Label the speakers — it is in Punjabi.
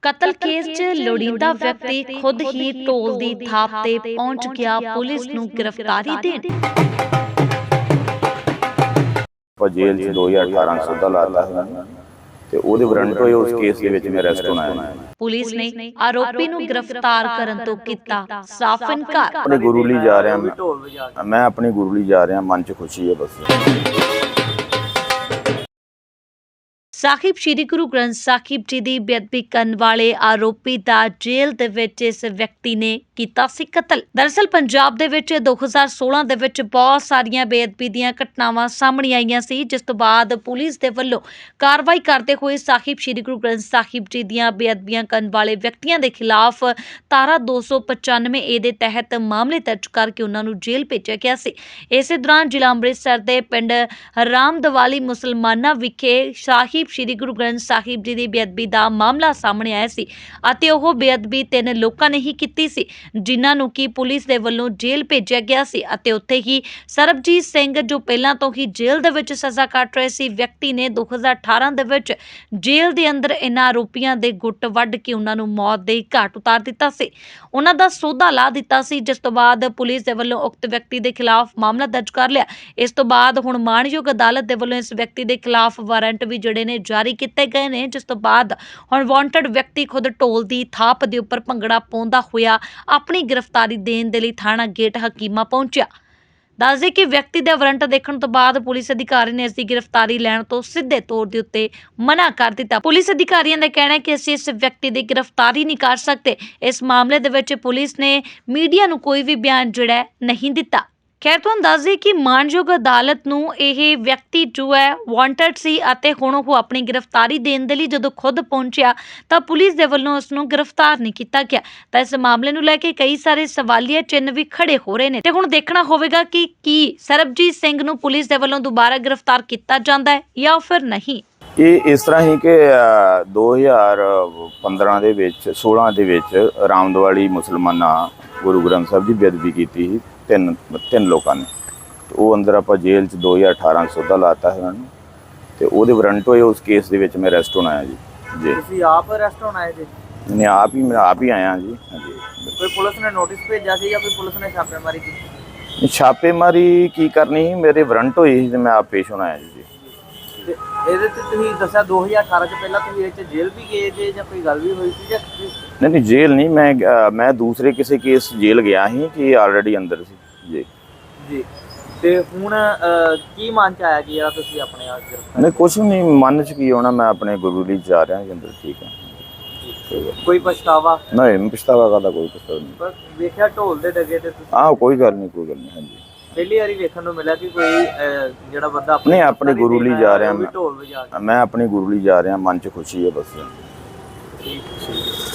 Speaker 1: ਕਤਲ ਕੇਸ 'ਚ ਲੋੜੀਂਦਾ ਵਿਅਕਤੀ ਖੁਦ ਹੀ ਢੋਲ ਦੀ ਥਾਪ ਤੇ ਪਹੁੰਚ ਗਿਆ ਪੁਲਿਸ ਨੂੰ ਗ੍ਰਿਫਤਾਰੀ ਦੇਣ।
Speaker 2: जेल 2018 ਸੌਦਾ ਲਾਤਾ ਹੈ ਤੇ ਉਹਦੇ ਵਾਰੰਟ ਹੋਏ ਉਸ ਕੇਸ ਦੇ ਵਿੱਚ ਮੈਂ ਅਰੈਸਟ ਹੋਣਾ ਹੈ।
Speaker 1: ਪੁਲਿਸ ਨੇ ਆਰੋਪੀ ਨੂੰ ਗ੍ਰਿਫਤਾਰ ਕਰਨ ਤੋਂ ਕੀਤਾ ਸਾਫ਼ ਇਨਕਾਰ।
Speaker 2: ਆਪਣੇ ਗੁਰੂ ਲਈ ਜਾ ਰਿਹਾ ਮੈਂ ਆਪਣੇ ਗੁਰੂ ਲਈ ਜਾ ਰਿਹਾ, ਮਨ 'ਚ ਖੁਸ਼ੀ ਹੈ ਬਸ।
Speaker 1: ਸਾਹਿਬ ਸ਼੍ਰੀ ਗੁਰੂ ਗ੍ਰੰਥ ਸਾਹਿਬ ਜੀ ਦੀ ਬੇਅਦਬੀ ਕਰਨ ਵਾਲੇ ਆਰੋਪੀ ਦਾ ਜੇਲ੍ਹ ਦੇ ਵਿੱਚ ਇਸ ਵਿਅਕਤੀ ਨੇ ਕੀਤਾ ਸੀ ਕਤਲ। ਦਰਅਸਲ ਪੰਜਾਬ ਦੇ ਵਿੱਚ 2016 ਦੇ ਵਿੱਚ ਬਹੁਤ ਸਾਰੀਆਂ ਬੇਅਦਬੀ ਦੀਆਂ ਘਟਨਾਵਾਂ ਸਾਹਮਣੇ ਆਈਆਂ ਸੀ, ਜਿਸ ਤੋਂ ਬਾਅਦ ਪੁਲਿਸ ਦੇ ਵੱਲੋਂ ਕਾਰਵਾਈ ਕਰਦੇ ਹੋਏ ਸਾਹਿਬ ਸ਼੍ਰੀ ਗੁਰੂ ਗ੍ਰੰਥ ਸਾਹਿਬ ਜੀ ਦੀਆਂ ਬੇਅਦਬੀਆਂ ਕਰਨ ਵਾਲੇ ਵਿਅਕਤੀਆਂ ਦੇ ਖਿਲਾਫ ਧਾਰਾ 295 ਏ ਦੇ ਤਹਿਤ ਮਾਮਲੇ ਦਰਜ ਕਰਕੇ ਉਹਨਾਂ ਨੂੰ ਜੇਲ੍ਹ ਭੇਜਿਆ ਗਿਆ ਸੀ। ਇਸੇ ਦੌਰਾਨ ਜ਼ਿਲ੍ਹਾ ਅੰਮ੍ਰਿਤਸਰ ਦੇ ਪਿੰਡ ਰਾਮਦਵਾਲੀ ਮੁਸਲਮਾਨਾਂ ਵਿਖੇ ਸਾਹਿਬ ਸ਼੍ਰੀ ਗੁਰੂ ਗ੍ਰੰਥ ਸਾਹਿਬ ਜੀ ਦੀ ਬੇਅਦਬੀ ਦਾ ਮਾਮਲਾ ਸਾਹਮਣੇ ਆਇਆ ਸੀ ਅਤੇ ਉਹ ਬੇਅਦਬੀ 3 ਲੋਕਾਂ ਨੇ ਹੀ ਕੀਤੀ ਸੀ, ਜਿਨ੍ਹਾਂ ਨੂੰ ਕਿ ਪੁਲਿਸ ਦੇ ਵੱਲੋਂ ਜੇਲ੍ਹ ਭੇਜਿਆ ਗਿਆ ਸੀ। ਅਤੇ ਉੱਥੇ ਹੀ ਸਰਬਜੀਤ ਸਿੰਘ ਜੋ ਪਹਿਲਾਂ ਤੋਂ ਹੀ ਜੇਲ੍ਹ ਦੇ ਵਿੱਚ ਸਜ਼ਾ ਕੱਟ ਰਹੇ ਸੀ ਵਿਅਕਤੀ ਨੇ 2018 ਦੇ ਵਿੱਚ ਜੇਲ੍ਹ ਦੇ ਅੰਦਰ ਇਹਨਾਂ ਆਰੋਪੀਆਂ ਦੇ ਗੁੱਟ ਵੱਢ ਕੇ ਉਹਨਾਂ ਨੂੰ ਮੌਤ ਦੇ ਘਾਟ ਉਤਾਰ ਦਿੱਤਾ ਸੀ, ਉਹਨਾਂ ਦਾ ਸੌਦਾ ਲਾ ਦਿੱਤਾ ਸੀ, ਜਿਸ ਤੋਂ ਬਾਅਦ ਪੁਲਿਸ ਦੇ ਵੱਲੋਂ ਉਕਤ ਵਿਅਕਤੀ ਦੇ ਖਿਲਾਫ ਮਾਮਲਾ ਦਰਜ ਕਰ ਲਿਆ। ਇਸ ਤੋਂ ਬਾਅਦ ਹੁਣ ਮਾਣਯੋਗ ਅਦਾਲਤ ਦੇ ਵੱਲੋਂ ਇਸ ਵਿਅਕਤੀ ਦੇ ਖਿਲਾਫ ਵਾਰੰਟ ਵੀ ਜਿਹੜੇ ਨੇ ਜਾਰੀ ਕੀਤੇ ਗਏ ਨੇ, ਜਿਸ ਤੋਂ ਬਾਅਦ ਹੁਣ ਵਾਂਟਡ ਵਿਅਕਤੀ ਖੁਦ ਢੋਲ ਦੀ ਥਾਪ ਦੇ ਉੱਪਰ ਭੰਗੜਾ ਪਾਉਂਦਾ ਹੋਇਆ ਆਪਣੀ ਗ੍ਰਿਫਤਾਰੀ ਦੇਣ ਦੇ ਲਈ ਥਾਣਾ ਗੇਟ ਹਕੀਮਾ ਪਹੁੰਚਿਆ। ਦੱਸਦੇ ਕਿ ਵਿਅਕਤੀ ਦੇ ਵਾਰੰਟ ਦੇਖਣ ਤੋਂ ਬਾਅਦ ਪੁਲਿਸ ਅਧਿਕਾਰੀ ਨੇ ਇਸ ਦੀ ਗ੍ਰਿਫਤਾਰੀ ਲੈਣ ਤੋਂ ਸਿੱਧੇ ਤੌਰ ਦੇ ਉੱਤੇ ਮਨਾ ਕਰ ਦਿੱਤਾ। ਪੁਲਿਸ ਅਧਿਕਾਰੀਆਂ ਦਾ ਕਹਿਣਾ ਹੈ ਕਿ ਅਸੀਂ ਇਸ ਵਿਅਕਤੀ ਦੀ ਗ੍ਰਿਫਤਾਰੀ ਨਹੀਂ ਕਰ ਸਕਦੇ। ਇਸ ਮਾਮਲੇ ਦੇ ਵਿੱਚ ਪੁਲਿਸ ਨੇ ਮੀਡੀਆ ਨੂੰ ਕੋਈ ਵੀ ਬਿਆਨ ਜਿਹੜਾ ਨਹੀਂ ਦਿੱਤਾ। ਖੈਰ ਤੁਹਾਨੂੰ ਦੱਸ ਦਈਏ ਕਿ ਮਾਣਯੋਗ ਅਦਾਲਤ ਨੂੰ ਇਹ ਵਿਅਕਤੀ ਜੋ ਹੈ ਵਾਂਟਡ ਸੀ ਅਤੇ ਹੁਣ ਉਹ ਆਪਣੀ ਗ੍ਰਿਫਤਾਰੀ ਦੇਣ ਦੇ ਲਈ ਜਦੋਂ ਖੁਦ ਪਹੁੰਚਿਆ ਤਾਂ ਪੁਲਿਸ ਦੇ ਵੱਲੋਂ ਉਸ ਨੂੰ ਗ੍ਰਿਫਤਾਰ ਨਹੀਂ ਕੀਤਾ ਗਿਆ। ਤਾਂ ਇਸ ਮਾਮਲੇ ਨੂੰ ਲੈ ਕੇ ਕਈ ਸਾਰੇ ਸਵਾਲੀਆ ਚਿੰਨ੍ਹ ਵੀ ਖੜੇ ਹੋ ਰਹੇ ਨੇ ਤੇ ਹੁਣ ਦੇਖਣਾ ਹੋਵੇਗਾ ਕਿ ਕੀ ਸਰਬਜੀਤ ਸਿੰਘ ਨੂੰ ਪੁਲਿਸ ਦੇ ਵੱਲੋਂ ਦੁਬਾਰਾ ਗ੍ਰਿਫਤਾਰ ਕੀਤਾ ਜਾਂਦਾ ਹੈ ਜਾਂ ਫਿਰ ਨਹੀਂ।
Speaker 2: ਇਹ ਇਸ ਤਰ੍ਹਾਂ ਹੀ ਕਿ 2015 ਦੇ ਵਿੱਚ 16 ਦੇ ਵਿੱਚ ਰਾਮਦਵਾਲੀ ਮੁਸਲਮਾਨਾਂ ਗੁਰੂ ਗ੍ਰੰਥ ਸਾਹਿਬ ਦੀ ਬੇਅਦਬੀ ਕੀਤੀ ਸੀ ਤਿੰਨ ਲੋਕਾਂ ਨੇ। ਉਹ ਅੰਦਰ ਆਪਾਂ ਜੇਲ੍ਹ 'ਚ 2018 ਸੌਦਾ ਲਾਤਾ ਹੈ ਉਹਨਾਂ ਨੂੰ ਤੇ ਉਹਦੇ ਵਾਰੰਟ ਹੋਏ ਉਸ ਕੇਸ ਦੇ ਵਿੱਚ ਮੈਂ ਅਰੈਸਟ ਹੋਣਾ ਹੈ ਜੀ।
Speaker 3: ਤੁਸੀਂ ਆਪ ਅਰੈਸਟ ਹੋਣਾ ਹੈ ਜੀ?
Speaker 2: ਮੈਂ ਆਪ ਹੀ ਆਇਆ ਜੀ। ਹਾਂਜੀ।
Speaker 3: ਕੋਈ ਪੁਲਿਸ ਨੇ ਨੋਟਿਸ ਭੇਜਿਆ ਸੀ ਜਾਂ ਕੋਈ ਪੁਲਿਸ ਨੇ ਛਾਪੇਮਾਰੀ ਕੀਤੀ?
Speaker 2: ਛਾਪੇਮਾਰੀ ਕੀ ਕਰਨੀ ਸੀ, ਮੇਰੇ ਵਾਰੰਟ ਹੋਏ ਸੀ ਤੇ ਮੈਂ ਆਪ ਪੇਸ਼ ਹੋਣਾ ਹੈ ਜੀ।
Speaker 3: ਤੇ ਇਹਦੇ ਤੇ ਤੁਸੀਂ ਦੱਸਿਆ 2018 ਚ ਪਹਿਲਾਂ ਤੁਸੀਂ ਇਹ 'ਚ ਜੇਲ੍ਹ ਵੀ ਗਏ ਜੇ ਜਾਂ ਕੋਈ ਗੱਲ ਵੀ ਹੋਈ ਸੀ ਜਾਂ
Speaker 2: ਨਹੀਂ ਜੇਲ੍ਹ ਨਹੀਂ, ਮੈਂ ਦੂਸਰੇ ਕਿਸੇ ਕੇਸ ਜੇਲ੍ਹ ਗਿਆ ਸੀ ਕਿ ਆਲਰੇਡੀ ਅੰਦਰ ਸੀ ਜੀ।
Speaker 3: ਜੀ ਤੇ ਹੁਣ ਕੀ ਮਨ ਚ ਆਇਆ ਕਿ ਯਾਰ ਤੁਸੀਂ ਆਪਣੇ ਆਪ ਗ੍ਰਿਫਤਾਰ?
Speaker 2: ਨਹੀਂ ਕੁਛ ਨਹੀਂ, ਮਨ 'ਚ ਕੀ ਹੋਣਾ, ਮੈਂ ਆਪਣੇ ਗੁਰੂ ਲਈ ਜਾ ਰਿਹਾ ਜੀ ਅੰਦਰ। ਠੀਕ ਹੈ।
Speaker 3: ਕੋਈ ਪਛਤਾਵਾ
Speaker 2: ਨਹੀਂ, ਪਛਤਾਵਾ ਕਰਦਾ ਕੋਈ ਪਛਤਾਵਾ ਨਹੀਂ।
Speaker 3: ਪਰ ਵੇਖਿਆ ਢੋਲ ਦੇ ਡਗੇ ਤੇ ਤੁਸੀਂ?
Speaker 2: ਕੋਈ ਗੱਲ ਨਹੀਂ ਹਾਂਜੀ।
Speaker 3: ਪਹਿਲੀ ਵਾਰੀ ਵੇਖਣ ਨੂੰ ਮਿਲਿਆ ਕਿ ਕੋਈ ਜਿਹੜਾ ਬੰਦਾ
Speaker 2: ਨਹੀਂ ਆਪਣੇ ਗੁਰੂ ਲਈ ਜਾ ਰਿਹਾ
Speaker 3: ਢੋਲ ਵਜਾ ਕੇ।
Speaker 2: ਮੈਂ ਆਪਣੇ ਗੁਰੂ ਲਈ ਜਾ ਰਿਹਾ, ਮਨ 'ਚ ਖੁਸ਼ੀ ਹੈ ਬਸ।
Speaker 3: ਠੀਕ।